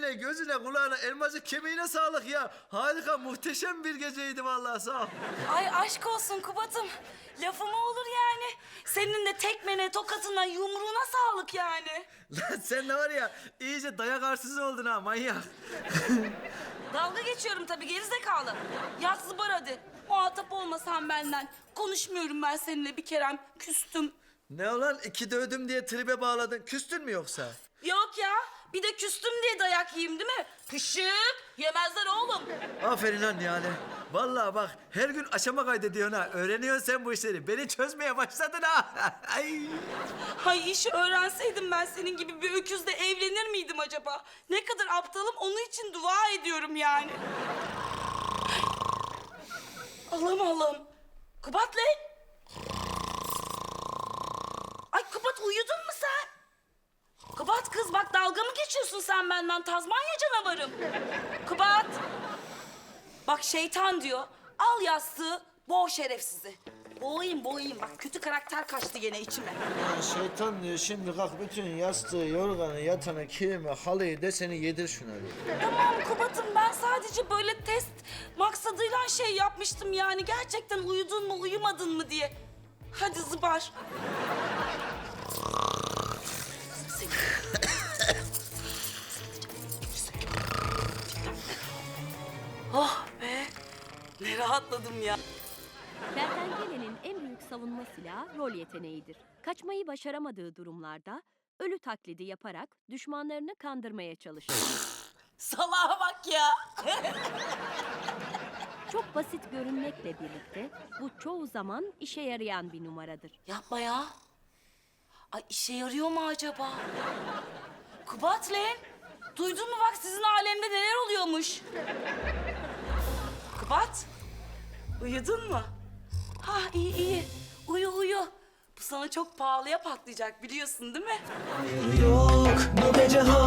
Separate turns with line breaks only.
eline, gözüne, kulağına, elmacık kemiğine sağlık ya. Harika, muhteşem bir geceydi vallahi, sağ ol.
Ay aşk olsun Kubat'ım. Lafı mı olur yani? Senin de tekmene, tokatına, yumruğuna sağlık yani.
Lan sen de var ya, iyice dayak arsızı oldun ha, manyak.
Dalga geçiyorum tabii gerizekalı. Yat zıbar hadi. Muhatap olmasan benden. Konuşmuyorum ben seninle bir kerem. Küstüm.
Ne olan, iki dövdüm diye tribe bağladın, küstün mü yoksa?
Yok ya. Bir de küstüm diye dayak yiyeyim değil mi? Pışık. Yemezler oğlum.
Aferin lan Nihale. Vallahi bak, her gün aşama kaydediyorsun ha. Öğreniyorsun sen bu işleri. Beni çözmeye başladın ha. Ay.
Hay işi öğrenseydim ben senin gibi bir öküzle evlenir miydim acaba? Ne kadar aptalım onun için dua ediyorum yani. Allah'ım Allah'ım. Kubat lan. Ay Kubat uyudun mu sen? Kubat kız bak dalga mı geçiyorsun sen benden Tazmanya canavarım? Kubat. Bak şeytan diyor. Al yastığı boğ şerefsizi. Boğayım bak kötü karakter kaçtı gene içime.
Ya şeytan diyor, şimdi kalk bütün yastığı, yorganı, yatanı, kilimi, halıyı deseni yedir şuna bir.
Tamam Kubat'ım ben sadece böyle test maksadıyla şey yapmıştım yani. Gerçekten uyudun mu uyumadın mı diye. Hadi zıbar. Oh be. Ne rahatladım ya.
Kertenkelenin en büyük savunma silahı rol yeteneğidir. Kaçmayı başaramadığı durumlarda ölü taklidi yaparak düşmanlarını kandırmaya çalışır.
Salaha bak ya.
Çok basit görünmekle birlikte bu çoğu zaman işe yarayan bir numaradır.
Yapma ya. Ay işe yarıyor mu acaba? Kubat lan. Duydun mu bak sizin alemde neler oluyormuş? Kubat. Uyudun mu? Ha iyi. Uyu. Bu sana çok pahalıya patlayacak biliyorsun değil mi?
Hayır yok bu gece